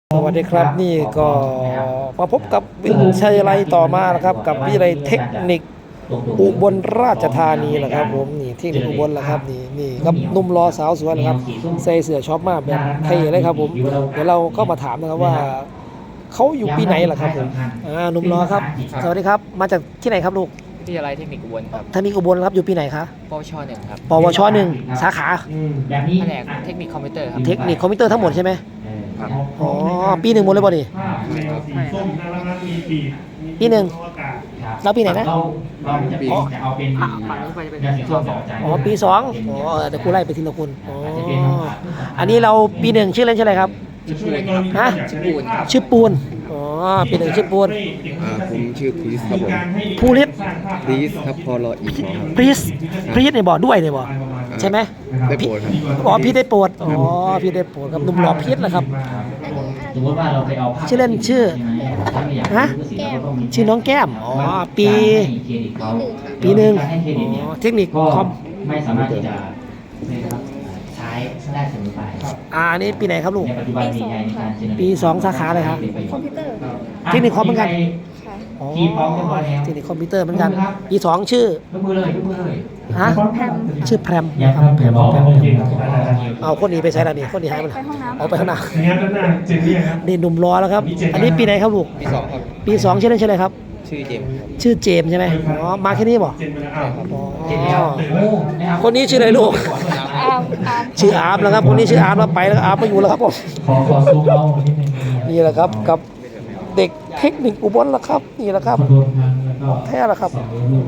สวัสดีครับนี่ก็มาพบกับวิทยาลัยต่อมานะครับกับวิทยาลัยเทคนิคอุบลราชธานีแหละครับผมนี่เทคนิคอุบลแหละครับนี่ครับนุ่มรอสาวสวยนะครับใส่เสื้อช็อปมากแบบเท่เลยครับผมเดี๋ยวเราก็มาถามนะครับว่าเขาอยู่ปีไหนล่ะครับผมนุ่มรอครับสวัสดีครับมาจากที่ไหนครับลูกวิทยาลัยเทคนิคอุบลครับเทคนิคอุบลครับอยู่ปีไหนคะปวชหนึ่งครับปวชหนึ่งสาขาแผนกเทคนิคคอมพิวเตอร์ครับเทคนิคคอมพิวเตอร์ทั้งหมดใช่ไหมอ๋อปีหนึ่งหมดเลยบ่ดิปีหนึ่งแล้วปีไหนนะอ๋อปีสองอ๋อเดี๋ยวกูไล่ไปทีละคนอ๋ออันนี้เราปีหนึ่งชื่อเล่นชื่ออะไรครับฮะชื่อปูนอ๋อปีหนึ่งชื่อปูนผมชื่อพริสครับผมภูริศพริสครับพอรออีกครับพริสในบ่อด้วยในบ่อใช่ไหมได้โปรดครับอ๋อพี่ได้โปรดอ๋อพี่ได้โปรดครับหนุ่มหล่อพีชแหละครับชื่อเล่นชื่อฮะชื่อน้องแก้มอ๋อปีหนึ่งอ๋อเทคนิคคอมไม่สามารถที่จะใช้ได้เสมอไปอันนี้ปีไหนครับลูกปี2สาขาเลยครับคอมพิวเตอร์เทคนิคคอมเหมือนกันอ๋อเทคนิคคอมพิวเตอร์เหมือนกันปี2ชื่อยกมือเลยฮะชื่อแพรมนะครับแพรมเอาคนนี้ไปใช้แล้วนี่คนนี้หายไปเอาไปข้างหน้านี่หนุ่มรอแล้วครับอันนี้ปีไหนครับลูกปี2ครับปี2ชื่อเล่นชื่ออะไรครับชื่อเจมส์ใช่ไหมอ๋อมาแค่นี้บ่อ๋อคนนี้ชื่ออะไรลูกชื่ออาร์มแล้วครับคนนี้ชื่ออาร์มแล้วไปแล้วอาร์มไม่อยู่แล้วครับผมขอซูมเอานิดนึงนี่แหละครับกับเด็กเทคนิคอุบลละครับนี่แหละครับแท้ละครับ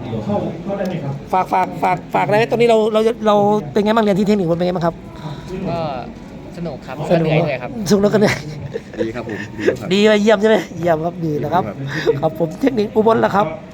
ฝากอะไรตอนนี้เราเป็นไงบ้างเรียนที่เทคนิคอุบลเป็นไงบ้างครับก็สนุกครับสนุกเลยครับสนุกกันเลยดีครับผมดีเยี่ยมใช่ไหมเยี่ยมครับดีนะครับครับผมเทคนิคอุบลละครับ